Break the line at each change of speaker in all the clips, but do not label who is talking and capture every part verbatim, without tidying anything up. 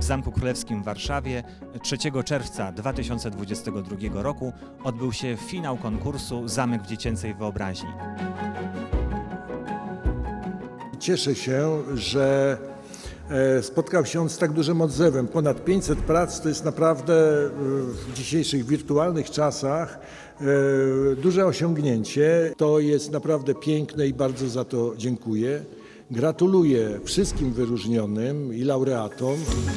Zamku Królewskim w Warszawie trzeciego czerwca dwa tysiące dwudziestego drugiego roku odbył się finał konkursu Zamek w dziecięcej wyobraźni.
Cieszę się, że spotkał się on z tak dużym odzewem. Ponad pięćset prac to jest naprawdę w dzisiejszych wirtualnych czasach duże osiągnięcie. To jest naprawdę piękne i bardzo za to dziękuję. Gratuluję wszystkim wyróżnionym i laureatom.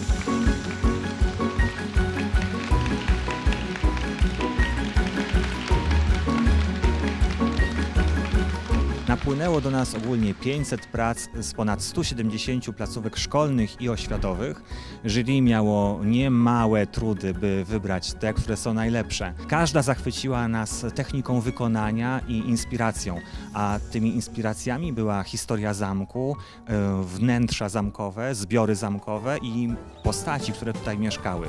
Napłynęło do nas ogólnie pięćset prac z ponad stu siedemdziesięciu placówek szkolnych i oświatowych. Jury miało niemałe trudy, by wybrać te, które są najlepsze. Każda zachwyciła nas techniką wykonania i inspiracją, a tymi inspiracjami była historia zamku, wnętrza zamkowe, zbiory zamkowe i postaci, które tutaj mieszkały.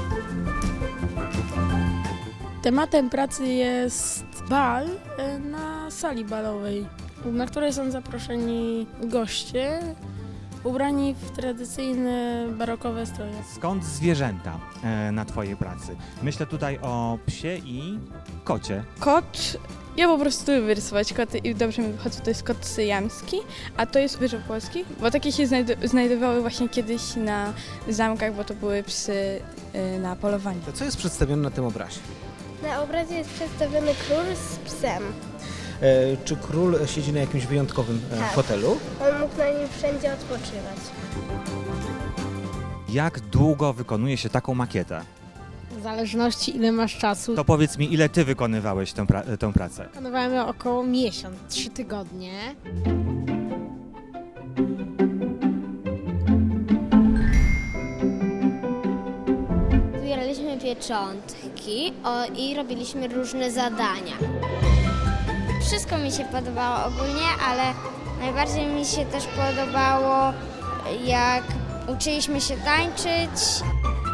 Tematem pracy jest bal na sali balowej, na której są zaproszeni goście ubrani w tradycyjne barokowe stroje.
Skąd zwierzęta na Twojej pracy? Myślę tutaj o psie i kocie.
Kot, ja po prostu lubię rysować koty i dobrze mi wychodzi, to jest kot syjamski, a to jest wyżeł polski, bo takie się znajdu- znajdowały właśnie kiedyś na zamkach, bo to były psy y, na polowaniu.
To co jest przedstawione na tym obrazie?
Na obrazie jest przedstawiony król z psem.
E, czy król siedzi na jakimś wyjątkowym e,
Tak.
fotelu?
On mógł na nim wszędzie odpoczywać.
Jak długo wykonuje się taką makietę?
W zależności ile masz czasu.
To powiedz mi, ile Ty wykonywałeś tę, pra- tę pracę?
Planowałem około miesiąc, trzy tygodnie.
Zbieraliśmy pieczątki o, i robiliśmy różne zadania. Wszystko mi się podobało ogólnie, ale najbardziej mi się też podobało, jak uczyliśmy się tańczyć.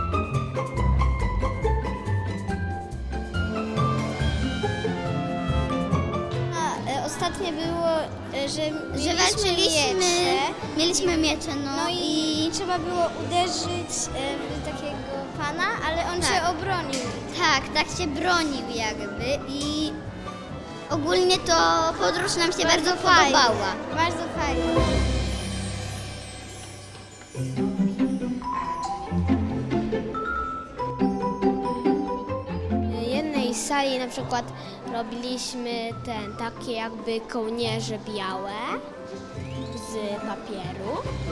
Ostatnie było, że mieliśmy miecze.
Mieliśmy miecze, no,
No i, i trzeba było uderzyć e, w takiego pana, ale on
Tak.
się obronił.
tak, tak się bronił jakby i ogólnie to podróż nam się bardzo,
fajnie.
podobała.
Bardzo fajnie. W jednej sali na przykład robiliśmy ten, takie jakby kołnierze białe z papieru.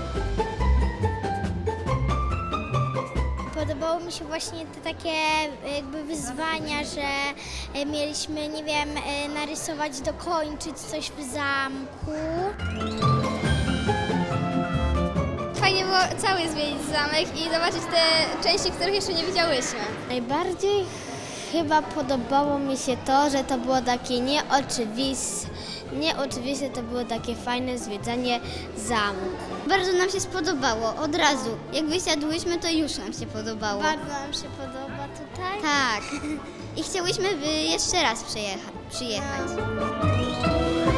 Podobało mi się właśnie te takie jakby wyzwania, że e, mieliśmy, nie wiem, e, narysować, dokończyć coś w zamku.
Fajnie było cały zwiedzić zamek i zobaczyć te części, których jeszcze nie widziałyśmy. Najbardziej chyba podobało mi się to, że to było takie nieoczywiste, nieoczywiste to było takie fajne zwiedzanie zamku.
Bardzo nam się spodobało, od razu. Jak wysiadłyśmy, to już nam się podobało.
Bardzo nam się podoba tutaj.
Tak. I chciałyśmy by jeszcze raz przyjecha- przyjechać.